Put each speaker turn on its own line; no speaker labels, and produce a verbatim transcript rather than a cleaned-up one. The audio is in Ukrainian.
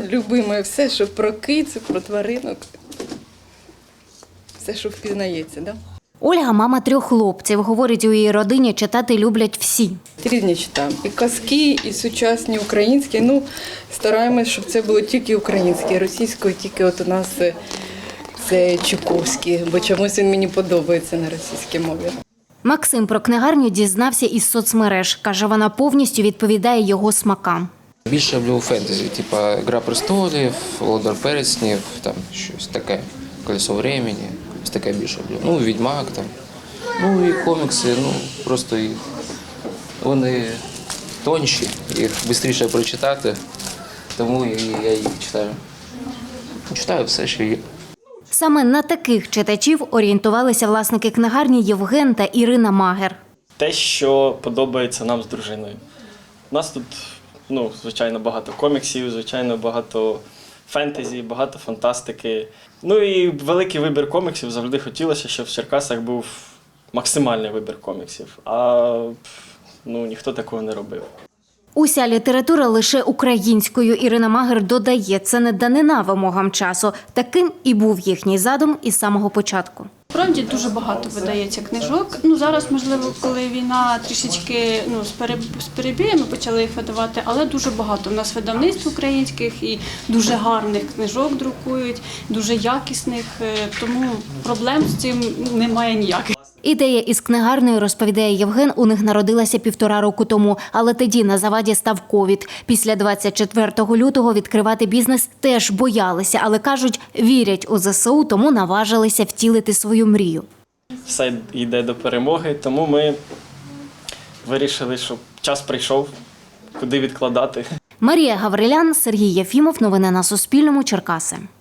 любиме все, що про кицю, про тваринок. Все, що впізнається, да?
Ольга – мама трьох хлопців. Говорить, у її родині читати люблять всі.
Різні читаємо. І казки, і сучасні українські. Ну, стараємось, щоб це було тільки українське, російською тільки от у нас це Чуковський, бо чомусь він мені подобається на російській мові.
Максим про книгарню дізнався із соцмереж. Каже, вона повністю відповідає його смакам.
Більше люблю фентезі, типу «Гра престолів», «Володар перснів», там щось таке, «Колесо времени», ось таке більше люблю. Ну, «Відьмак» там. Ну і комікси, ну, просто їх, вони тонші, їх швидше прочитати, тому я їх читаю. Читаю все, що є.
Саме на таких читачів орієнтувалися власники книгарні Євген та Ірина Магер.
Те, що подобається нам з дружиною. У нас тут, ну, звичайно, багато коміксів, звичайно, багато фентезі, багато фантастики. Ну і великий вибір коміксів. Завжди хотілося, щоб в Черкасах був максимальний вибір коміксів. А ну, ніхто такого не робив.
Уся література лише українською. Ірина Магер додає, це не данина вимогам часу. Таким і був їхній задум із самого початку.
Справді дуже багато видається книжок. Ну зараз, можливо, коли війна трішечки ну, з перебіями почали їх видавати, але дуже багато. У нас видавництв українських і дуже гарних книжок друкують, дуже якісних, тому проблем з цим немає ніяких.
Ідея із книгарнею, розповідає Євген, у них народилася півтора року тому. Але тоді на заваді став ковід. Після двадцять четвертого лютого відкривати бізнес теж боялися. Але, кажуть, вірять у зе се у, тому наважилися втілити свою мрію.
Все йде до перемоги, тому ми вирішили, що час прийшов, куди відкладати.
Марія Гаврилян, Сергій Єфімов. Новини на Суспільному. Черкаси.